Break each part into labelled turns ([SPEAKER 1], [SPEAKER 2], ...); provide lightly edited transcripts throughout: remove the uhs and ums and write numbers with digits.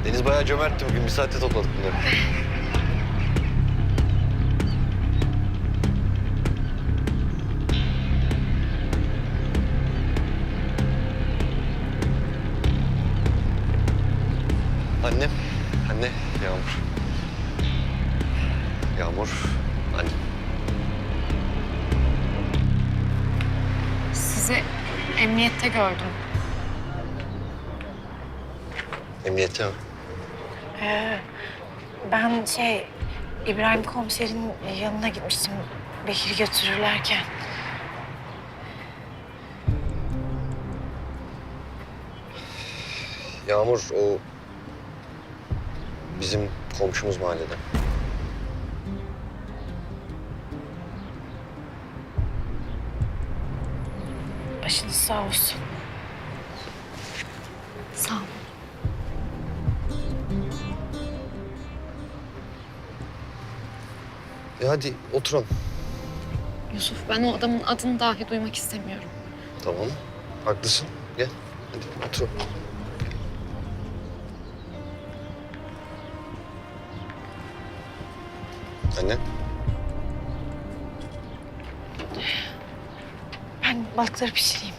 [SPEAKER 1] Deniz bayağı cömertti bugün. Bir saatte topladık bunları. Annem. Anne. Yağmur. Yağmur. Anne.
[SPEAKER 2] Sizi emniyette gördüm.
[SPEAKER 1] Emniyette mi?
[SPEAKER 2] Ben İbrahim komiserin yanına gitmiştim Bekir'i götürürlerken.
[SPEAKER 1] Yağmur o bizim komşumuz mahallede.
[SPEAKER 2] Başınız sağ olsun. Sağ ol.
[SPEAKER 1] Hadi oturalım.
[SPEAKER 2] Yusuf, ben o adamın adını dahi duymak istemiyorum.
[SPEAKER 1] Tamam. Haklısın. Gel. Hadi oturalım. Anne.
[SPEAKER 2] Ben balıkları pişireyim.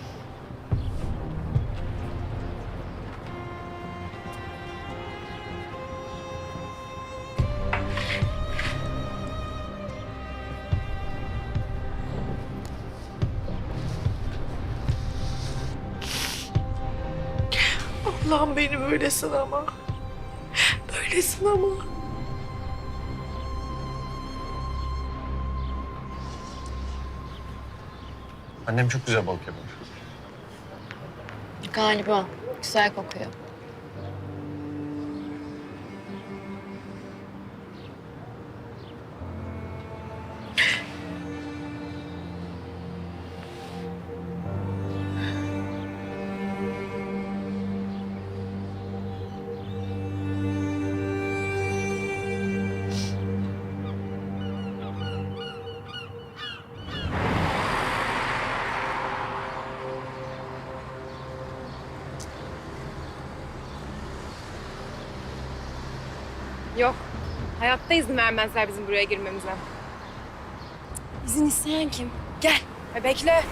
[SPEAKER 3] Allah'ım beni böyle sınama. Böyle sınama.
[SPEAKER 1] Annem çok güzel balık yapar.
[SPEAKER 2] Galiba. Güzel kokuyor.
[SPEAKER 4] Yok. Hayatta izin vermezler bizim buraya girmemize.
[SPEAKER 3] İzin isteyen kim? Gel.
[SPEAKER 4] Bekle.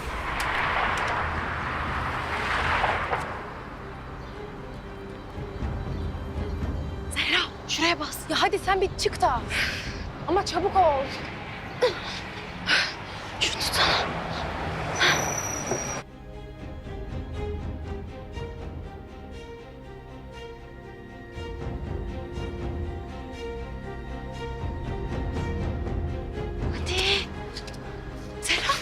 [SPEAKER 3] Zehra şuraya bas. Ya hadi sen bir çık da. Ama çabuk ol. Şunu tutsana. Hadi. Zehra.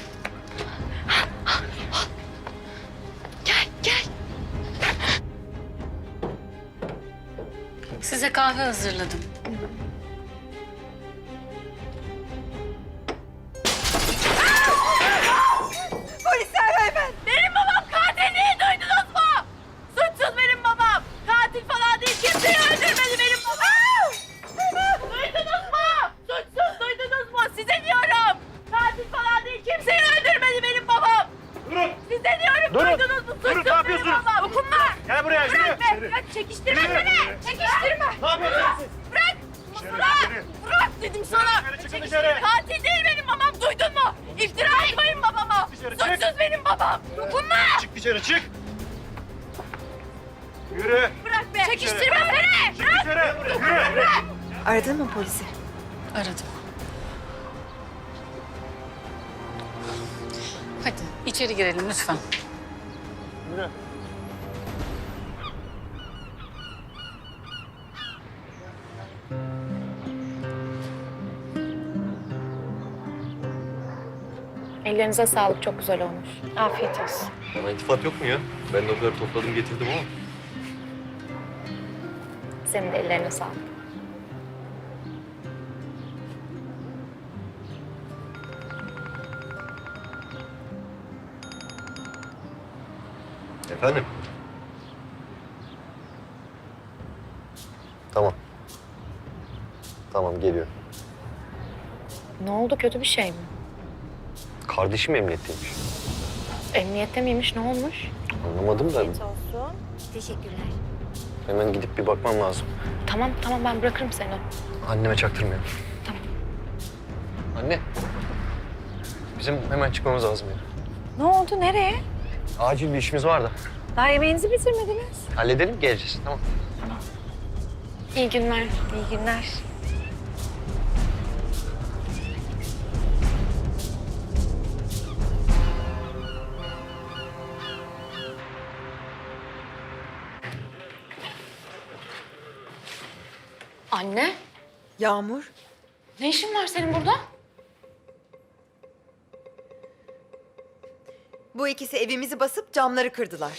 [SPEAKER 3] Gel, gel.
[SPEAKER 2] Size kahve hazırladım.
[SPEAKER 4] Polisler beyefendi. Benim babam katil değil, duydunuz mu? Suçsuz benim babam. Katil falan değil, kimseyi öldürmedi benim babam. Duydunuz mu? Suçsuz, duydunuz mu? Size diyorum. Katil falan değil, kimseyi öldürmedi benim babam.
[SPEAKER 5] Durun!
[SPEAKER 4] Size diyorum,
[SPEAKER 5] Durun!
[SPEAKER 4] duydunuz mu?
[SPEAKER 5] Durun,
[SPEAKER 4] Suçsuz
[SPEAKER 5] ne yapıyorsunuz?
[SPEAKER 4] benim babam. Dokunma.
[SPEAKER 5] Gel buraya, yürü!
[SPEAKER 4] Bırak be, bırak, çekiştirme
[SPEAKER 5] Yürü,
[SPEAKER 4] beni.
[SPEAKER 5] yürü.
[SPEAKER 4] Çekiştirme.
[SPEAKER 5] Ne yapıyorsunuz siz?
[SPEAKER 4] Bırak.
[SPEAKER 5] Dışarı,
[SPEAKER 4] Bırak.
[SPEAKER 5] dışarı.
[SPEAKER 4] Bırak dedim sana.
[SPEAKER 5] Dışarı, çıkın
[SPEAKER 4] Çekiştirme.
[SPEAKER 5] dışarı.
[SPEAKER 4] Katil değil benim babam, duydun mu? İftira atmayın babama.
[SPEAKER 5] Dışarı, çık.
[SPEAKER 4] Suçsuz benim babam. Dokunma.
[SPEAKER 5] Çık dışarı, çık! Yürü!
[SPEAKER 4] Bırak be. Çekiştirme beni.
[SPEAKER 5] Çık dışarı! Yürü!
[SPEAKER 3] Aradın mı polisi?
[SPEAKER 2] Aradım. Hadi içeri girelim lütfen.
[SPEAKER 5] Yürü!
[SPEAKER 2] Ellerinize sağlık, çok güzel olmuş. Afiyet olsun.
[SPEAKER 1] Bana iltifat yok mu ya? Ben de o kadar topladım getirdim ama.
[SPEAKER 2] Senin de ellerine sağlık.
[SPEAKER 1] Efendim? Tamam. Tamam, geliyor.
[SPEAKER 2] Ne oldu, kötü bir şey mi?
[SPEAKER 1] Kardeşim emniyetteymiş.
[SPEAKER 2] Emniyette miymiş, ne olmuş?
[SPEAKER 1] Anlamadım da
[SPEAKER 3] Olsun. Teşekkürler.
[SPEAKER 1] Hemen gidip bir bakmam lazım.
[SPEAKER 2] Tamam ben bırakırım seni.
[SPEAKER 1] Anneme çaktırmayalım.
[SPEAKER 2] Tamam.
[SPEAKER 1] Anne. Bizim hemen çıkmamız lazım ya.
[SPEAKER 3] Ne oldu? Nereye?
[SPEAKER 1] Acil bir işimiz var da.
[SPEAKER 3] Daha yemeğinizi bitirmediniz.
[SPEAKER 1] Halledelim, geleceğiz. Tamam.
[SPEAKER 2] İyi günler.
[SPEAKER 3] İyi günler.
[SPEAKER 2] Anne,
[SPEAKER 6] Yağmur,
[SPEAKER 2] ne işin var senin burada?
[SPEAKER 6] bu ikisi evimizi basıp camları kırdılar.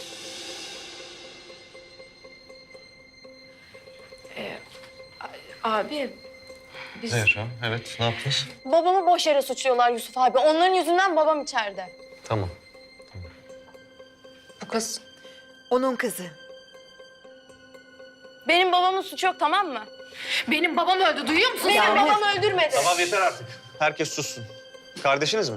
[SPEAKER 2] Abi, biz...
[SPEAKER 1] Zehra, evet. Ne yaptınız?
[SPEAKER 3] Babamı boş yere suçluyorlar Yusuf abi. Onların yüzünden babam içeride.
[SPEAKER 1] Tamam.
[SPEAKER 2] Bu kız...
[SPEAKER 6] Onun kızı.
[SPEAKER 3] Benim babamın suçu yok, tamam mı?
[SPEAKER 2] Benim babam öldü, duyuyor musun?
[SPEAKER 3] Benim babam öldürmedi.
[SPEAKER 5] Tamam yeter artık. Herkes sussun. Kardeşiniz mi?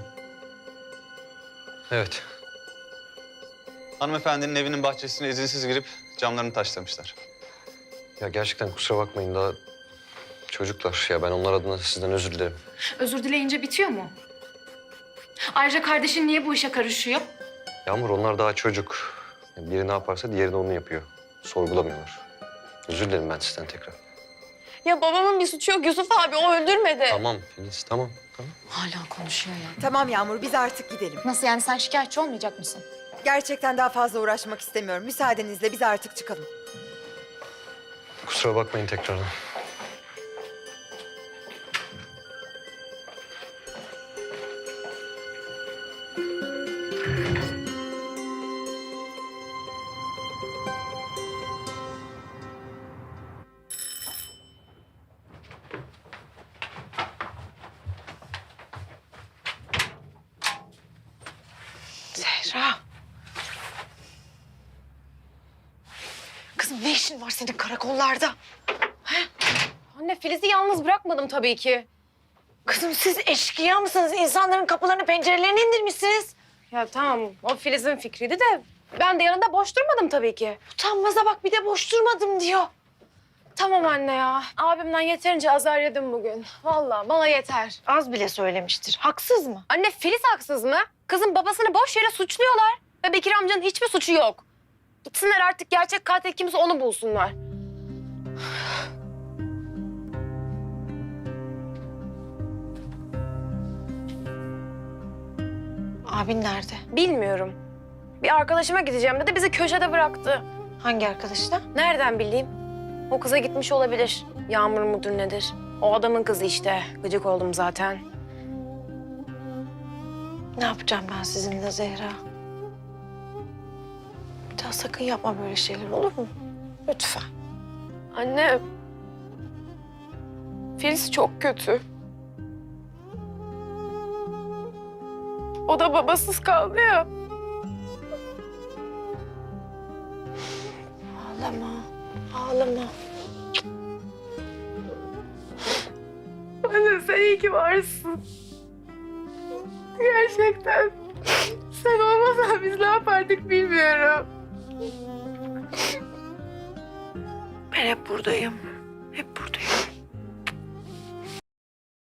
[SPEAKER 1] Evet.
[SPEAKER 5] Hanımefendinin evinin bahçesine izinsiz girip camlarını taşlamışlar.
[SPEAKER 1] Ya gerçekten kusura bakmayın daha çocuklar. Ya ben onlar adına sizden özür dilerim.
[SPEAKER 2] Özür dileyince bitiyor mu? Ayrıca kardeşin niye bu işe karışıyor?
[SPEAKER 1] Yağmur onlar daha çocuk. Biri ne yaparsa diğeri de onu yapıyor. Sorgulamıyorlar. Özür dilerim ben sizden tekrar.
[SPEAKER 3] Ya babamın bir suçu yok Yusuf abi. O öldürmedi.
[SPEAKER 1] Tamam Filiz, tamam.
[SPEAKER 2] Hala konuşuyor ya.
[SPEAKER 6] Tamam Yağmur, biz artık gidelim.
[SPEAKER 2] Nasıl yani, sen şikayetçi olmayacak mısın?
[SPEAKER 6] Gerçekten daha fazla uğraşmak istemiyorum. Müsaadenizle biz artık çıkalım.
[SPEAKER 1] Kusura bakmayın tekrardan.
[SPEAKER 3] Zehra. Kızım ne işin var senin karakollarda? He? Anne Filiz'i yalnız bırakmadım tabii ki. Kızım siz eşkıya mısınız? İnsanların kapılarını pencerelerini indirmişsiniz. Ya tamam o Filiz'in fikriydi de ben de yanında boş durmadım tabii ki. Utanmaza bak bir de boş durmadım diyor. Tamam anne ya. Abimden yeterince azar yedim bugün. Vallahi bana yeter. Az bile söylemiştir. Haksız mı? Anne Filiz haksız mı? Kızın babasını boş yere suçluyorlar. Ve Bekir amcanın hiçbir suçu yok. Gitsinler artık gerçek katil kimse onu bulsunlar. Abin nerede? Bilmiyorum. Bir arkadaşıma gideceğim dedi, bizi köşede bıraktı. Hangi arkadaşla? Nereden bileyim? O kıza gitmiş olabilir. Yağmur mudur nedir? O adamın kızı işte. Gıcık oldum zaten. Ne yapacağım ben sizinle Zehra? Bir daha sakın yapma böyle şeyler olur mu? Lütfen. Anne. Filiz çok kötü. O da babasız kaldı ya. Ağlama, ağlama. Anne sen iyi ki varsın. Gerçekten. Sen olmasan biz ne yapardık bilmiyorum. Ben hep buradayım. Hep buradayım.